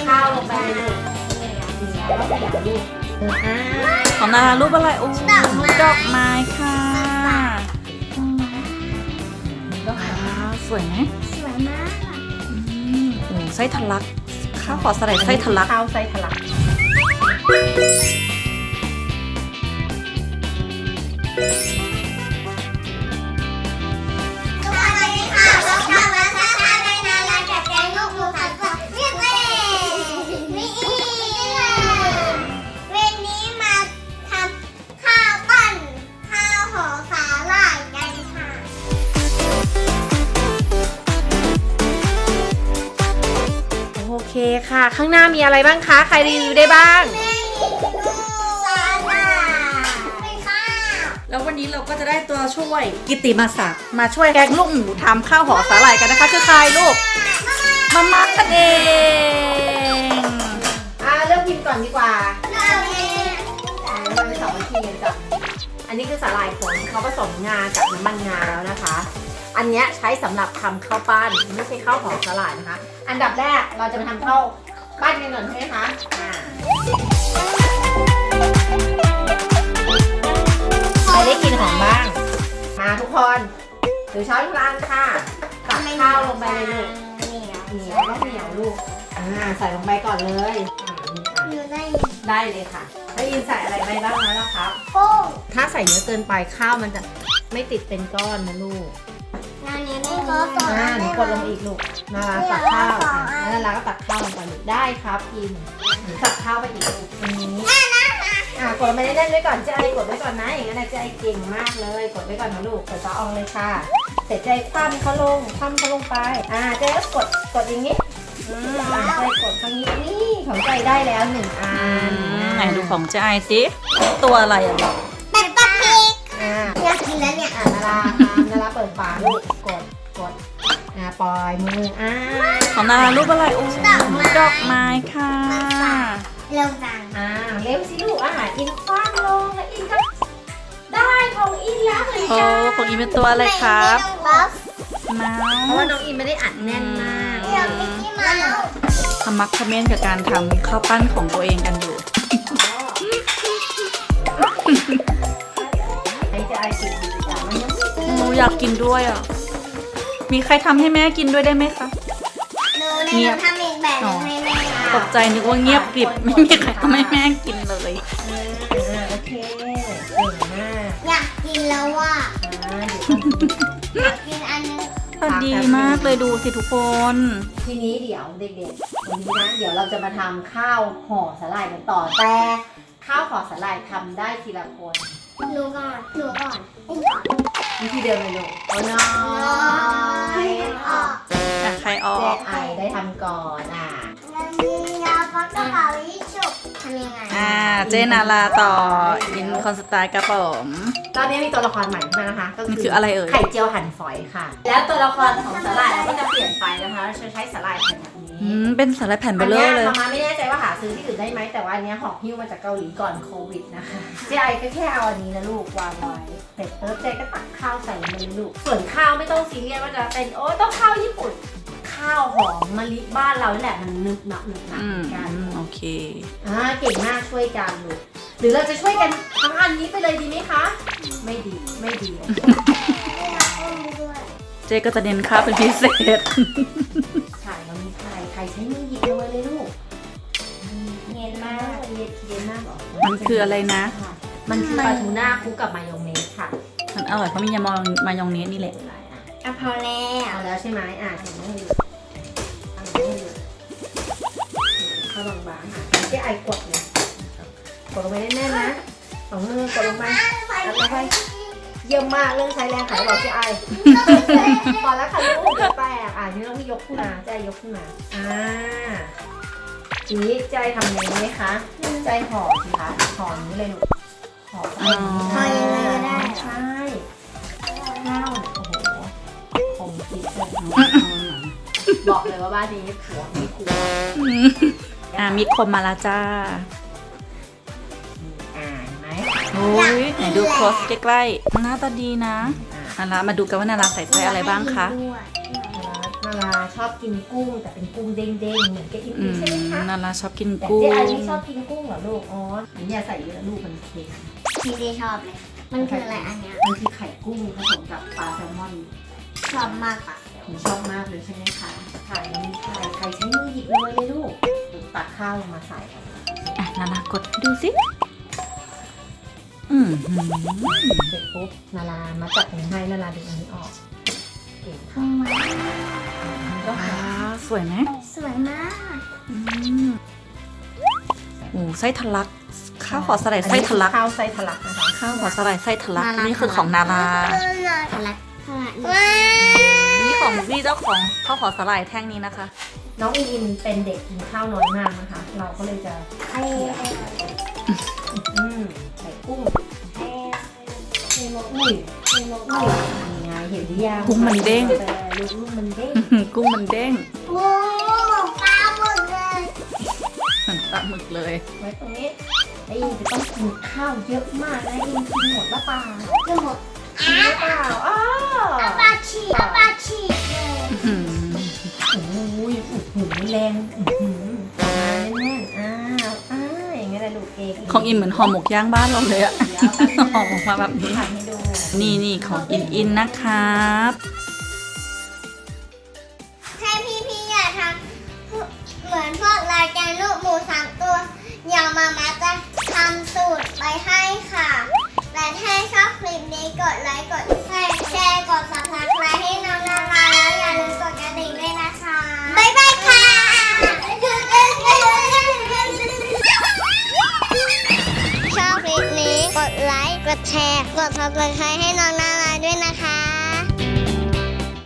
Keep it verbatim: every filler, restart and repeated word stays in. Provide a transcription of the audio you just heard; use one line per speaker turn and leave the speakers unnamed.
ข้าวลงไปเลยลูกแล้วก็ลูกอ่า
ของนารารูปอะไรโอ้ดอกไม้ค่ะดอกไม้สวยไหม
สวยมาก
อืมโอ้ไส้ทะลักข้าวขอสไลด์ไส้ทะลัก
ข้าวไส้ทะลัก
สวัสดีค่ะเราทำมาท่าทางในนารากับแกงลูกหมูผัดผักเรียกเลยนี่วันนี้มาทำข้าวปั้นข้าวห่อสาหร่ายกันค่ะ
โอเคค่ะ ข้างหน้ามีอะไรบ้างคะใครรีวิวได้บ้าง
แม่มีลูกสาหร่ายเป็นข้าว
แล้ววันนี้เราก็จะได้ตัวช่วยกิตติมาศักดิ์มาช่วยแกงลูกหมูทำข้าวห่อสาหร่ายกันนะคะคือใครลูกมาม่ากันเอง
อ่าเริ่มพิมพ์ก่อนดีกว่า
เราเอง
เราไปสองวิธีกันจ้ะอันนี้คือสาหร่ายผงเขาผสมงากับน้ำมันงาแล้วนะคะ อันเนี้ยใช้สำหรับทำข้าวปั้นไม่ใช่ข้าวหอมสาหร่ายนะคะ อันดับแรกเราจะมาทำข้าวปั้นกันก่อนใช่ไหมคะอ่าใครได้กลินหอมบ้างมาทุกคนถือช้อนกลางค่ะตักข้าวลงไปเลยลูก
เหนียว
เหนียวต้องเหนียวลูกอ่าใส่ลงไปก่อนเลยอ่านี่อ่ะ
อยู่ใน
ได้เลยค่ะแล้วยินใส่อะไรไปบ้างแล้วคะ
โป้ง
ถ้าใส่เยอะเกินไปข้าวมันจะไม่ติดเป็นก้อนนะลูก
งานนี้ไม่ก็สอน
อ่าหนูกดลงอีกลูกนาราตักข้าวอ่ะแล้วนาราก็ตักข้าวลงไปลูกได้ครับพิมหนูตักข้าวไปอีกลูกตรงนี้อ่ากดลงไปได้ๆไว้ก่อนเจ๊ไอกดไว้ก่อนนะอย่างนั้นนะเจ๊ไอเก่งมากเลยกดไว้ก่อนนะลูกกดซอสอองเลยค่ะเสร็จเจ๊คว่ำเขาลงคว่ำเขาลงไปอ่าเจ๊ก็กดกดอย่างนี้อืมอ่าเจ๊กดข้างนี้นี่ของใจได้แล้วหนึ่งอัน
ไหนดูของเจ๊ไอสิตัวอะไรอ่ะลูก
เป็ดปลาพริก
อ่า
อยากกินแล้วเนี่ย
อ่านาราทำนาราเปิดฝาลูกกดกดอ่าปล่อยมืออ่า
ของนารารูปอะไรโอ้ดอกไม้ค่ะ
เร็วจัง
อ่าเร็วสิลูกอาหารอินคว้างลงแล้วอินก็ได้ของอินแล้วเหมือน
โอ้
กัน
ของอีเป็นตัวอะไรครับ
บัฟ
เมา
เพราะว่า
ส์
น้องอินไม่ได้อัดแน่นมาก
เดี๋ยวมิกกี้เมาส์
ทำมักทำเม่นกับการทำข้าวปั้นของตัวเองกันอยู่
ไอ้จะไอติดแต่มันยังไม่
หนูอยากกินด้วยอ่ะมีใครทำให้แม่กินด้วยได้ไหมคะ
หนูในหนูทำอีกแบบหนึงให้แม่
ตกใจนึกว่าเงียบกริบไม่มีใครทำให้แม่กินเลย
อ่าอ่าโอเคเก่งมาก
อยากกินแล้วว่ะ
อ่าเดี๋ยวต้อง
อยากกินอันนึง
พอดีมากเลยดูสิทุกคน
ทีนี้เดี๋ยวเด็กๆวันนี้นะเดี๋ยวเราจะมาทำข้าวห่อสาหร่ายกันต่อแต่ข้าวห่อสาหร่ายทำได้ทีละคน
หนูก่อนหนูก่อนไอ้ก่อน
วิธีเดิมเลยลูกโอ้น้อ
น้อย ยออก
อ่ะใครออ
เจ๊
ก
ไอได้ทำก่อนอ่ะ
มันมียาปักกระเป๋ายิชุบทำยังไง
อ่าเจนาราต่ออินคอนสไตล์กระป๋อม
ตอนนี้มีตัวละครใหม่ขึ้นมานะคะ ก็
มันคืออะไรเอ่ย
ไข่เจียวหั่นฝอยค่ะ แล้วตัวละครของสาหร่ายเราก็จะเปลี่ยนไปนะคะเราจะใช้สาหร่ายแผ่นแบบนี้
อืมเป็นสาหร่ายแผ่นเบ
อั
ลเลอร์เลย
มาไม่แน่ใจว่าหาซื้อที่อื่นได้ไหมแต่ว่าอันเนี้ยหอบหิ้วมาจากเกาหลีก่อนโควิดนะคะเจ๊ไอก็แค่เอาอันนี้นะลูกวางไว้เสร็จปุ๊บเจ๊ก็ตักข้าวใส่ลงไปเลยลูกส่วนข้าวไม่ต้องซีเรียสว่าจะเป็นโอ้ต้องข้าวญี่ปุ่น ข้าวหอมมะลิบ้านเรานี่แหละมันนึบหนับนึบหนับ
อื
เห
ม
มือนกัน
โอเค
อ่าเก่งมากช่วยกันลูกหรือเราจะช่วยกันทั้งอันนี้ไปเลยดีไหมคะ ไม่ดีไม่ดี
ไม่รับอุ้มด้วย
เจก็จะเน้นข้าวเป็นพิเศษ
ใช่เรามีไข่ไข่ใช้มือหยิบลงไปเลยลูก
เย็น
มาม
าก
เย็นเย็นมากเหรอ
มันคืออะไรนะ
มันคือปลาทูน่าคลุกกับมายองเนสค่ะ
มันอร่อยเพราะมียามองมายองเนสนี่แหละ
อ่ะพอแล้ว
เอาแล้วใช่ไหมอ่ะเห็นไหมให้ดูเอาให้ดูเข้าบางๆค่ะเจ๊ไอกดเลยกดลงไปแน่นๆนะสองมือกดลงไปแล้วก็ให้เยี่ยมมากเรื่องใช้แรงขายบอกเจ๊ไอ พอแล้วค่ะลูกเดี๋ยวแตกอ่ะทีนี้เราพี่ยกขึ้นมาใจยกขึ้นมาอ่าทีนี้ใจทำยังไงไหมคะใจห่อสิคะห่อนี้เลยลูกห่อ
อ๋อ
พอยังไงก็ได้
ใช่ข้าวโอ้โหคมคิดเลยบอกเลยว่าบ้านนี้ผัวไม่กลัว
อืมอ่ามีคมมาแล้วจ้า
อ่าเห็นไหม
โอ้ยไหนดูโคสใกล้ๆหน้าตาดีนะนารามาดูกันว่านาราใส่ไส้อะไรบ้างคะ
นารานาราชอบกินกุ้งแต่เป็นกุ้งเด้งๆเหมือนกับอี
อื
พี
ม
ใช่ไหมคะ
นนาราชอบกิน
แต่
กุ้ง
เจ๊ไอไม่ชอบกินกุ้งเหรอลูกอ๋ออันนี้อย่าใส่เยอะลูกมันเค็ม
พี่ดีชอบเลย มันคืออะไรอันเนี้ย
มันคือไข่กุ้งผสมกับปลาแซลมอน
ชอบมากอ่ะ
ผมชอบมากเลยใช่ไหมคะไข่มันมีไข่ไข่ใช้มือหยิบเลยเลยลูกตักข้าวลงมาใส่
อ่ะนารากดดูสิอืมหืม
เสร็จปุ๊บนารามาจับหนูให้นาราดึงอันนี้ออกเก่ง
ทำไม
ก็
ว้า
หาว
สวยไหม
สวยมาก
อืมโอ้ไส้ทะลัก ข้าวหอสาหร่ายไส้ทะลัก
ข้าวไส้ทะลักนะคะ
ข้าวหอสาหร่ายไส้ทะลักนี่คือของนารา
อะไรว้า
นี่ของนี่เจ้าของข้าวหอสาหร่ายแท่งนี้นะคะ
น้องอินอินเป็นเด็กกินข้าวน้อยมากนะคะ เราก็เลยจะ
ไอ้
อืมใส่กุ้ง
ไอ้ไอ้โม
อุ้ย
ไอ้โม
อุ้ยนี่ไงเห็นหรือยัง
กุ้งมันเด้ง
ลูกลูกมันเด้ง
อื้อหือกุ้งมันเด้ง
โอ้ปลาหมดเลย
เหมือนปลาหมึกเลย
ไว้ตรงนี้ไอ้อินจะต้องกินข้าวเยอะมากนะอินกินหมดหรือเปล่า
จะหมด
กินหรือเปล่าอ้าว
อาปลาฉีกอาปลาฉีกเลย
อื้อหือ
โอ้ยอื้อหือแรงอื้อหือมาแน่นๆอ้าวอ้าวอย่างเงี้ยแหละลูกเอง
ของอินเหมือนห่อหมกย่างบ้านเราเลยอะห่อหมกมาแบบนี้
ทำให้ดู
นี่นี่ของอินอินนะครับ
ถ้าพี่พี่อยากทำเหมือนพวกรายการลูกหมูสามตัวอย่างมาม่าจะทำสูตรไปให้ค่ะ และถ้าชอบคลิปนี้กดไลค์กดแชร์แชร์กดซับสไครต์ให้น้องนาราแล้วอย่าลืมกดกระดิ่งด้วยนะคะบ๊ายบายค่ะชอบคลิปนี้กดไลค์กดแชร์กดซับสไครต์ให้น้องนา